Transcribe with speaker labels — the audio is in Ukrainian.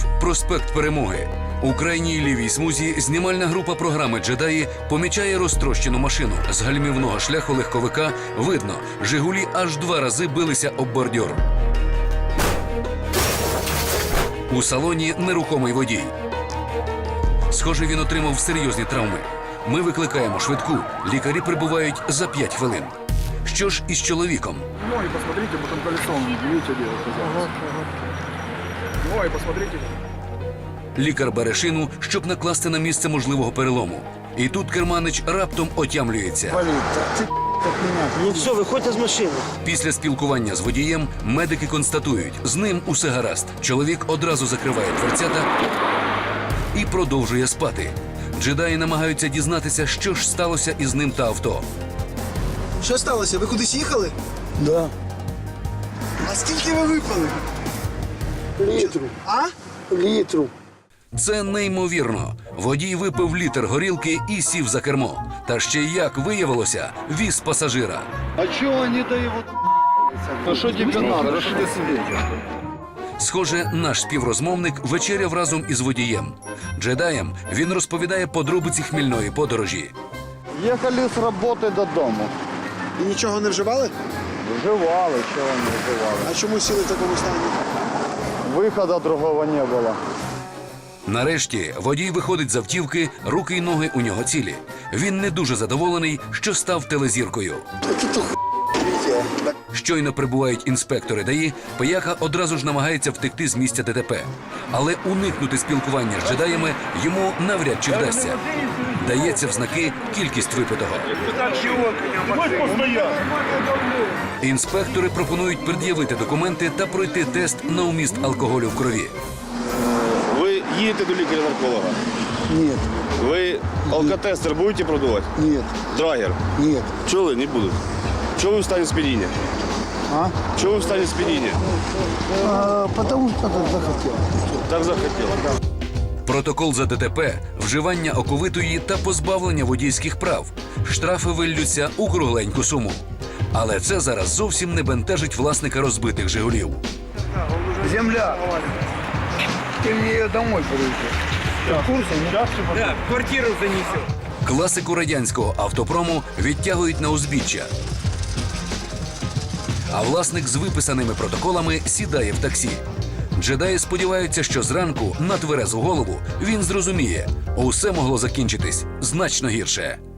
Speaker 1: Київ, проспект Перемоги. У крайній лівій смузі знімальна група програми «Джедаї» помічає розтрощену машину. З гальмівного шляху легковика видно, «Жигулі» аж 2 рази билися об бордюр. У салоні нерухомий водій. Схоже, він отримав серйозні травми. Ми викликаємо швидку. Лікарі прибувають за 5 хвилин. Що ж із чоловіком?
Speaker 2: Ноги посмотрите, потом колесом видите, дело. Ноги посмотрите.
Speaker 1: Лікар бере шину, щоб накласти на місце можливого перелому. І тут керманич раптом отямлюється.
Speaker 3: Ну все, виходьте з машини.
Speaker 1: Після спілкування з водієм медики констатують, з ним усе гаразд. Чоловік одразу закриває дверцята і продовжує спати. Джедаї намагаються дізнатися, що ж сталося із ним та авто.
Speaker 4: Що сталося? Ви кудись їхали?
Speaker 3: Да.
Speaker 4: А скільки ви випили?
Speaker 3: Літру.
Speaker 4: А?
Speaker 3: Літру.
Speaker 1: Це неймовірно. Водій випив літр горілки і сів за кермо. Та ще й, як виявилося, віз пасажира.
Speaker 2: А чего они дают? Ну что тебе надо? Что ты себе?
Speaker 1: Схоже, наш співрозмовник вечеряв разом із водієм. Джедаєм він розповідає подробиці хмільної подорожі.
Speaker 2: Ехали с работы до дому.
Speaker 4: І нічого не вживали?
Speaker 2: Вживали, чего не вживали.
Speaker 4: А чому сіли в такому стані?
Speaker 2: Выхода другого не было.
Speaker 1: Нарешті водій виходить з автівки, руки й ноги у нього цілі. Він не дуже задоволений, що став телезіркою. Щойно прибувають інспектори ДАІ, пияка одразу ж намагається втекти з місця ДТП. Але уникнути спілкування з джедаями йому навряд чи вдасться. Дається в знаки кількість випитого. Інспектори пропонують пред'явити документи та пройти тест на вміст алкоголю в крові.
Speaker 5: Ви їдете до лікаря-нарколога?
Speaker 3: Нет,
Speaker 5: Ви алкотестер будете продавати?
Speaker 3: нет,
Speaker 5: Драгер?
Speaker 3: нет.
Speaker 5: Чого не будуть? Чого ви в стані сп'яніння?
Speaker 3: А?
Speaker 5: Чого ви в стані сп'яніння?
Speaker 3: Потому что так захотел.
Speaker 5: Так захотіло.
Speaker 1: Протокол за ДТП, вживання оковитої та позбавлення водійських прав. Штрафи виллються у кругленьку суму. Але це зараз зовсім не бентежить власника розбитих «Жигулів».
Speaker 2: Земля. Ты мне ее домой привези. Ты в курсе? Да, квартиру занесет.
Speaker 1: Класику радянського автопрому відтягують на узбіччя. А власник з виписаними протоколами сідає в таксі. Джедаї сподіваються, що зранку на тверезу голову він зрозуміє, усе могло закінчитись значно гірше.